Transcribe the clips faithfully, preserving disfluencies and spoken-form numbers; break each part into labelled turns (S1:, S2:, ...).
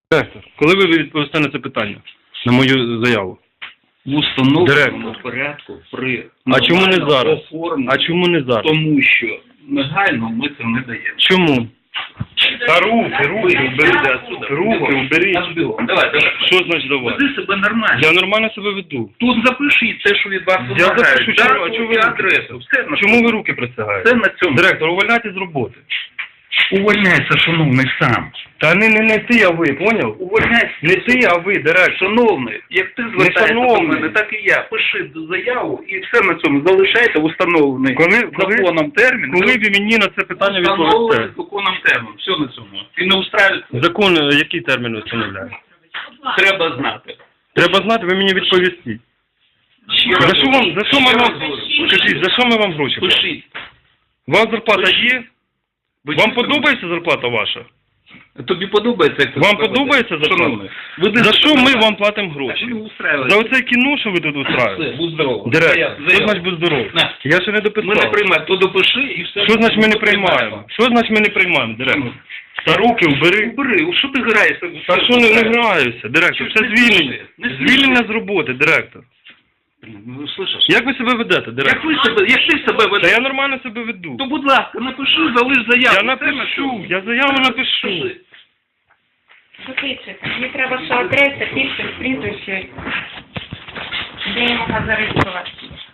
S1: Директор, коли ви відповісте на це питання? На мою заяву?
S2: В установленому порядку при
S1: А чому не зараз?
S2: оформленні,
S1: А чому не зараз?
S2: тому що негайно ми це не даємо.
S1: Чому? Та руки, руки, уберіть отсюда. Руки, уберіть.
S2: Давай, давай.
S1: Що значить давай?
S2: Веди себе нормально.
S1: Я нормально себе веду.
S2: Тут запишіть те, що від вас
S1: Я
S2: вимагають.
S1: запишу, чому, а
S2: Дату
S1: чому
S2: і
S1: ви
S2: адресу. Все на
S1: Чому ви руки присягаєте?
S2: Все на цьому.
S1: Директор, увольняйте з роботи.
S2: Увольняйся, шановний, сам.
S1: Та не, не, не ти, а ви, поняв?
S2: Увольняйся.
S1: Не ти, а ви, директор.
S2: Шановний, як ти звертаєшся до
S1: шановний.
S2: мене, так і я. Пиши заяву і все на цьому. Залишайте в установлений
S1: Коли, коли,
S2: законом термін.
S1: коли ви мені на це питання
S2: Встановлений
S1: відповісте?
S2: законом термін. Все на цьому. І не устраюється.
S1: Закон, е, який термін встановляє?
S2: Треба знати.
S1: Треба знати, ви мені відповісти.
S2: Ще раз
S1: За що вам, за що ми
S2: ще раз
S1: вам,
S2: говорю.
S1: скажіть, за що ми вам гроші? платимо?
S2: Пишіть.
S1: Вам зарплата є?
S2: Ви
S1: Вам
S2: чуєте?
S1: подобається зарплата ваша?
S2: Тобі подобається, як ти
S1: Вам
S2: себе
S1: подобається
S2: ведеш?
S1: зарплата?
S2: Шановний, веди
S1: За
S2: себе
S1: що ми
S2: нормально.
S1: вам платимо
S2: Так,
S1: гроші?
S2: не устраюйся.
S1: За оце кіно, що ви тут
S2: Все,
S1: устраюєте?
S2: будь здоровий.
S1: Директор,
S2: Заяв-
S1: що
S2: заяв.
S1: значить будь здоров?
S2: На.
S1: Я ще не
S2: Ми не
S1: дописав.
S2: приймаємо, то допиши і все.
S1: Що значить ми не
S2: Ми
S1: приймаємо? Що значить ми не приймаємо, директор? Та руки убери.
S2: Убери, що ти граєшся?
S1: Та що не, не граюся, директор? Це
S2: Не
S1: звільнення.
S2: сміши, не
S1: Звільнення з роботи, директор.
S2: Ну, слышиш?
S1: Як ви себе ведете,
S2: Як
S1: директор?
S2: ви себе, як ти себе
S1: Та
S2: ведеш?
S1: я нормально себе веду.
S2: То, будь ласка, напиши, залиш заяву.
S1: Я
S2: Все
S1: напишу,
S2: на цьому.
S1: я заяву напишу.
S2: Пиши.
S3: Записуйте. Мені треба, що адреса, підпис, прізвище, де я можу зареєструвати.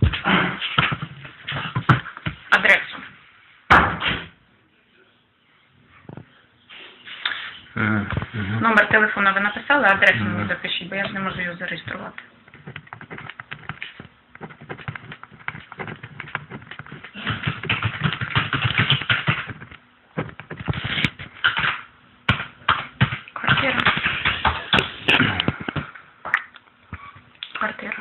S3: Адресу. Номер телефону ви написали, адресу мені запишіть, бо я ж не можу його зареєструвати. Квартира. Квартира.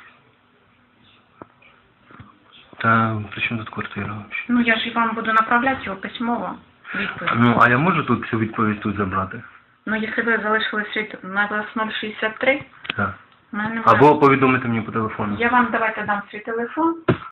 S4: Та при чому тут квартира взагалі?
S3: Ну, я ж вам буду направляти його письмово, відповідь.
S4: Ну, а я можу тут цю відповідь тут забрати?
S3: Ну, якщо ви залишили світ на вас нуль шістдесят три,
S4: Так.
S3: в мене немає.
S4: Або повідомити мені по телефону.
S3: Я вам давайте дам свій телефон.